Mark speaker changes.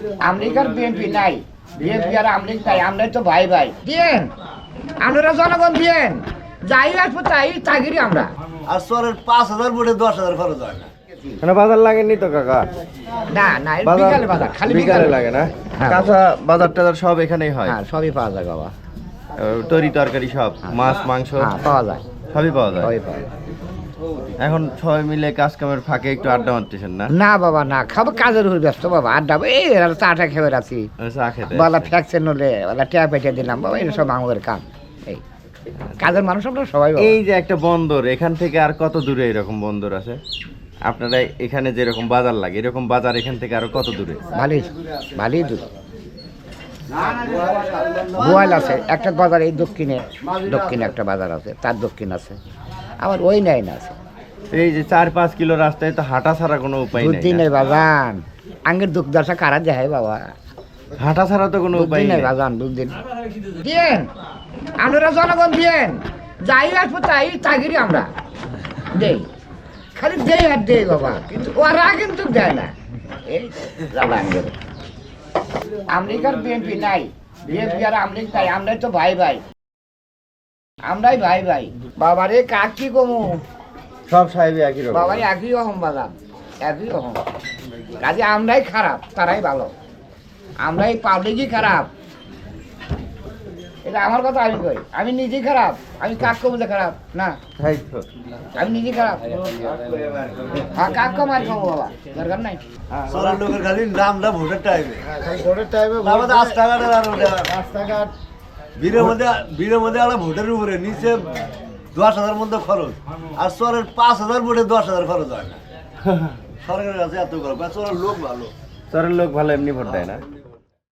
Speaker 1: আমেরিকার বিএনপি নাই, বিএনপি আর আমেরিকা নাই, আমরাই তো ভাই ভাই। দিয়েন আপনারা জনগণ দিয়েন, যাই আসবো তাই তাগিরি আমরা।
Speaker 2: আর চরের 5,000 ভোটে 10,000 খরচ হয় না।
Speaker 3: মানে বাজার লাগেনি তো কাকা?
Speaker 1: না না, বিকালে বাজার, খালি
Speaker 3: বিকালে লাগে না?
Speaker 1: হ্যাঁ।
Speaker 3: কাঁচা বাজার টাজার সব এখানেই হয়?
Speaker 1: হ্যাঁ, সবই পাওয়া যায় বাবা।
Speaker 3: তরি তরকারি সব, মাছ মাংস
Speaker 1: হ্যাঁ, পাওয়া যায়,
Speaker 3: সবই পাওয়া যায়।
Speaker 1: সবই পাওয়া যায়।
Speaker 3: এখন সবাই মিলে কাজ কামের ফাঁকে একটু আড্ডা মারতেছেন না?
Speaker 1: না বাবা না, খাবো কাজের উপর ব্যস্ত বাবা, আড্ডা এই চাটা খেয়ে আছি,
Speaker 3: চা খেতে
Speaker 1: বলা ফ্যাকশন নলে বলা ট্যাপ পেটে দিলাম বাবা, এটা সব আমাদের কাম। এই কাজের মানুষ আমরা সবাই বাবা।
Speaker 3: এই যে একটা বন্দর, এখান থেকে আর কত দূরে এরকম বন্দর আছে? আপনারা এখানে যেরকম বাজার লাগে এরকম বাজার এখান থেকে আরো কত দূরে?
Speaker 1: ভালোই ভালোই দূর। গোয়াল আছে একটা বাজার, এই দক্ষিণে একটা বাজার আছে, তার দক্ষিণ আছে, আবার ওই নাই না আছে।
Speaker 3: এই যে 4-5 কিলো রাস্তায় তো হাঁটা ছাড়া কোনো উপায় নেই।
Speaker 1: দুদিনের বাজান আঙ্গের দুঃখ দশা কারা যায় বাবা,
Speaker 3: হাঁটা ছাড়া তো কোনো উপায়
Speaker 1: দুদিনের
Speaker 3: নেই।
Speaker 1: বাজান, দুদিন দিয়েন আপনারা জনগণ দিয়েন, যাই আসবো তাই তাগিরি আমরা দেই, খালি দেই আর দেই বাবা, কিন্তু ওরা কিন্তু দেয় না। এই জ্বালা আঙ্গের। আমেরিকার বিএনপি নাই, বিএনপি আর আমেরিকা নাই, আমরাই তো ভাই ভাই, আমরাই ভাই ভাই। বাবারে কাক কি কমু,
Speaker 3: সব সাহেবই একই রকম।
Speaker 1: বাবারে একই রকম বাজান, একই রকম কাজে আমরাই খারাপ তারাই ভালো, আমরাই পাবলিকই খারাপ। এটা আমার কথা আমি কই, আমি নিজেই খারাপ, আমি কাক কমতে খারাপ না,
Speaker 3: তাই তো।
Speaker 1: আমি নিজেই খারাপ। হ্যাঁ, কাক কমার খাবো বাবা, দরকার নাই।
Speaker 2: চরের লোকের খালি নামটা ভোটের টাইমে,
Speaker 3: ভোটের টাইমে
Speaker 2: আমাদের রাস্তাঘাটের আর ওটা
Speaker 3: রাস্তাঘাট
Speaker 2: বীরের মধ্যে একটা ভোটের উপরে নিচে 10,000 মধ্যে খরচ, আর চরের 5,000 ভোটে 10,000 খরচ হয় না। সরকারের কাছে এত খরচ, চরের লোক ভালো।
Speaker 3: চরের লোক ভালো এমনি ভোট দেয় না।